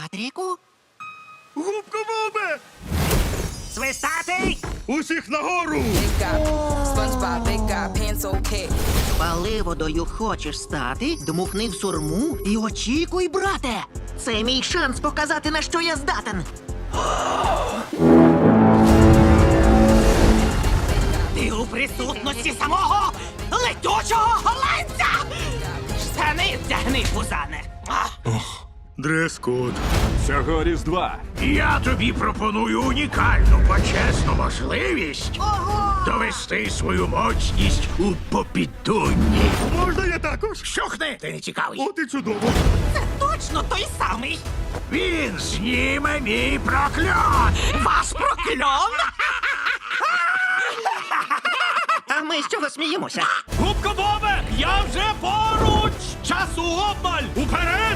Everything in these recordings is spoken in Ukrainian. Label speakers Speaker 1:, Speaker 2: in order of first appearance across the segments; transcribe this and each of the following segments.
Speaker 1: Патріку?
Speaker 2: Губка Бобе!
Speaker 1: Свистатий!
Speaker 2: Усіх нагору!
Speaker 3: Big guy, SpongeBob, big guy, pencil cat.
Speaker 1: Паливодою хочеш стати? Дмухни в сурму і очікуй, брате! Це мій шанс показати, на що я здатен. Ти у присутності самого летючого голландця! Штани вдягни, пузане!
Speaker 2: Дрес-код.
Speaker 4: Цього Різдва
Speaker 5: Я тобі пропоную унікальну почесну можливість
Speaker 1: Ого!
Speaker 5: довести свою моцність у попідунні.
Speaker 2: Можна я також?
Speaker 5: Щухни, ти не цікавий.
Speaker 2: От і чудово.
Speaker 1: Це точно той самий!
Speaker 5: Він зніме мій прокльон.
Speaker 1: Вас прокльон! А ми з чого сміємося?
Speaker 2: Губка Бобе! Я вже поруч! Часу обмаль! Уперед!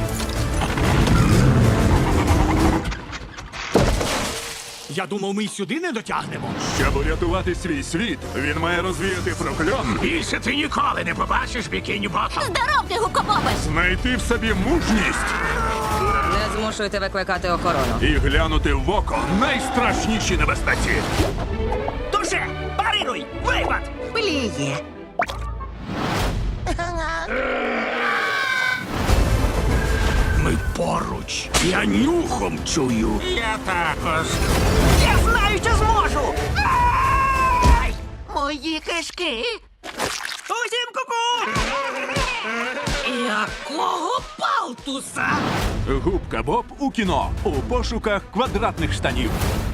Speaker 2: Я думав, ми й сюди не дотягнемо.
Speaker 4: щоб урятувати свій світ, він має розвіяти прокльон,
Speaker 5: Більше ти ніколи не побачиш бікіні ботом.
Speaker 6: Здоровте, гукобобе!
Speaker 4: знайти в собі мужність
Speaker 3: Не змушуйте викликати охорону.
Speaker 4: і глянути в око найстрашніші небезпеці.
Speaker 1: Дуже! Парируй! Випад! Пліє!
Speaker 5: Ми поруч. Я нюхом чую. Я також.
Speaker 1: Я знаю, що зможу! Ай! Мої кишки! Усім ку-ку! Якого палтуса?
Speaker 4: Губка Боб у кіно у пошуках квадратних штанів.